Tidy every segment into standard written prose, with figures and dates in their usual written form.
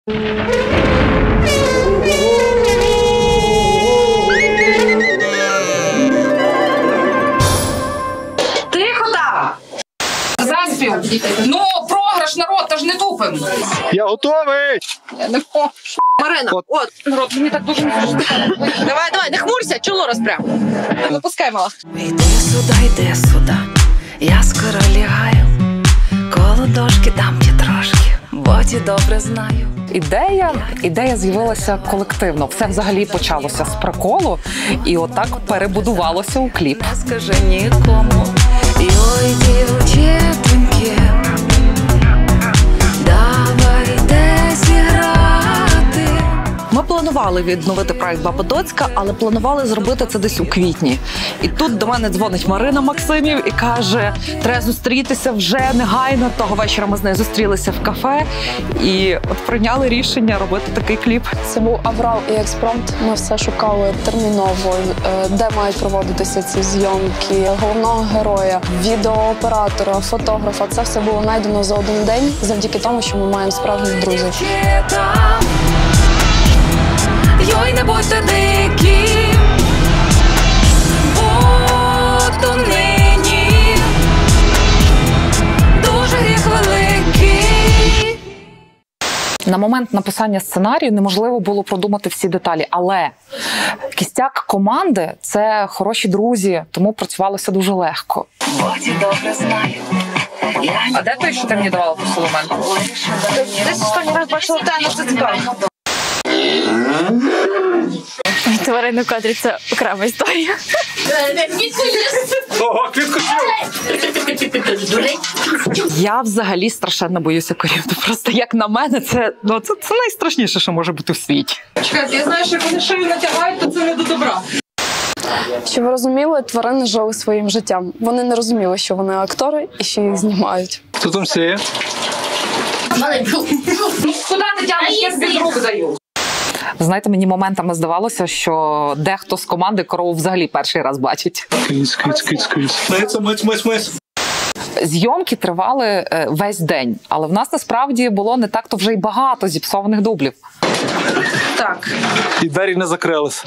Тихо там! Заспів! Ну, програш, народ, та ж не тупим! Я готовий! Я не хочу. Марина, от, народ, мені так дуже не хочеться. Давай, не хмурся, чоло розпрям. Не пускай, мала. Йди сюди, я скоро лягаю, коло дошки дам трошки, бо ті добре знаю. Ідея з'явилася колективно. Все взагалі почалося з приколу, і отак перебудувалося у кліп. Не скажи нікому, ой, дівчинки, давайте зіграти. Ми планували відновити проект «Баба Доцька», але планували зробити це десь у квітні. І тут до мене дзвонить Марина Максимів і каже, треба зустрітися вже негайно. Того вечора ми з нею зустрілися в кафе і от прийняли рішення робити такий кліп. Це був аврал і експромт. Ми все шукали терміново, де мають проводитися ці зйомки, головного героя, відеооператора, фотографа. Це все було знайдено за один день завдяки тому, що ми маємо справжніх друзів. Йой, не будьте дикі, бо то нині дуже гріх великий. На момент написання сценарію неможливо було продумати всі деталі, але кістяк команди – це хороші друзі, тому працювалося дуже легко. Добре знаю. А де той, що ти мені давала по соломенту? Десь останній раз бачила те, це цікаво. Тварини в кадрі – це окрема історія. Я взагалі страшенно боюся корів. Просто як на мене, це найстрашніше, що може бути в світі. Чекайте, я знаю, що як вони шию натягають, то це не до добра. Щоб ви розуміли, тварини жили своїм життям. Вони не розуміли, що вони актори і що їх знімають. Хто там сіє? Куди ти тягнеш, я з рук даю? Знаєте, мені моментами здавалося, що дехто з команди корову взагалі перший раз бачить. Мис. Зйомки тривали весь день, але в нас насправді було не так-то вже й багато зіпсованих дублів. Так. І двері не закрились.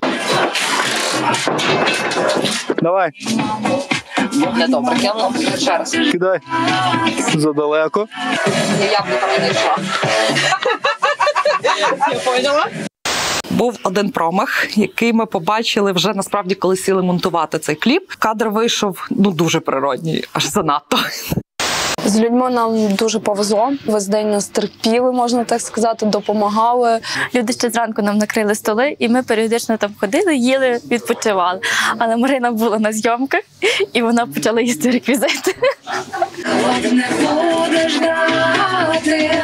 Давай. Недобре, кину ще раз. Кидай. Задалеко. Я яблука не йшла. Я поняла. Був один промах, який ми побачили вже насправді, коли сіли монтувати цей кліп. Кадр вийшов дуже природній, аж занадто. З людьми нам дуже повезло. Весь день нас терпіли, можна так сказати, допомагали. Люди ще зранку нам накрили столи, і ми періодично там ходили, їли, відпочивали. Але Марина була на зйомках, і вона почала їсти реквізити. Не будеш дати.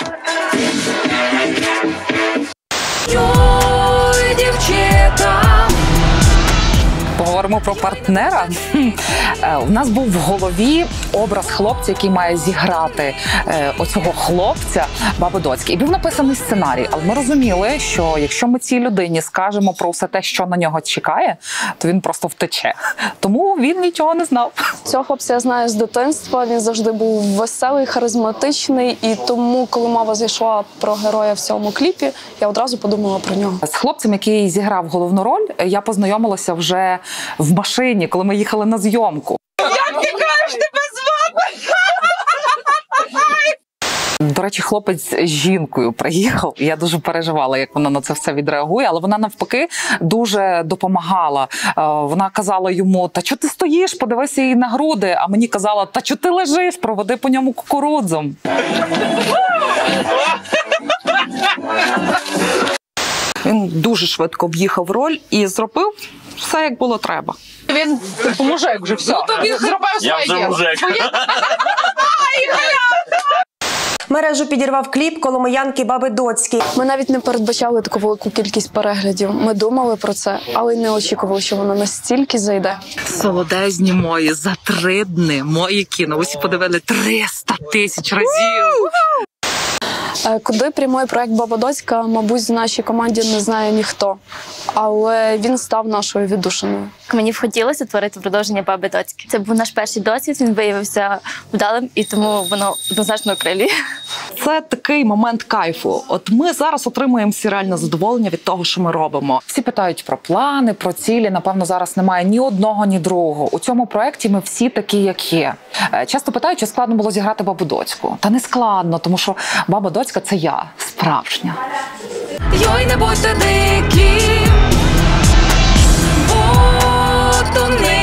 Йой, дівчата. Поговоримо про партнера. У нас був в голові образ хлопця, який має зіграти оцього хлопця Баби Доцьки. І був написаний сценарій. Але ми розуміли, що якщо ми цій людині скажемо про все те, що на нього чекає, то він просто втече. Тому він нічого не знав. Цього хлопця я знаю з дитинства. Він завжди був веселий, харизматичний. І тому, коли мова зайшла про героя в цьому кліпі, я одразу подумала про нього. З хлопцем, який зіграв головну роль, я познайомилася вже в машині, коли ми їхали на зйомку. Як ти кажеш, тебе звати? До речі, хлопець з жінкою приїхав. Я дуже переживала, як вона на це все відреагує, але вона навпаки дуже допомагала. Вона казала йому, та чого ти стоїш, подивися їй на груди, а мені казала, та чого ти лежиш, проведи по ньому кукурудзом. Він дуже швидко об'їхав роль і зробив все, як було треба. Він мужик вже все. Ну, тобі зробив своє діло. Я вже мужик. Мережу підірвав кліп коломиянки Баби Доцьки. Ми навіть не передбачали таку велику кількість переглядів. Ми думали про це, але не очікували, що воно настільки зайде. Солодезні мої, за 3 дні мої кіно. Усі подивили 300 000 разів. Куди прямує проект «Баба Доцька», мабуть, в нашій команді не знає ніхто, але він став нашою віддушиною. Мені б хотілося творити продовження «Баби Доцьки». Це був наш перший досвід, він виявився вдалим, і тому воно однозначно окрилює. Це такий момент кайфу. От ми зараз отримуємо всі реальне задоволення від того, що ми робимо. Всі питають про плани, про цілі. Напевно, зараз немає ні одного, ні другого. У цьому проєкті ми всі такі, як є. Часто питають, чи складно було зіграти Бабу Доцьку. Та не складно, тому що Баба Доцька – це я, справжня. Йой, не будьте дикі, бо то не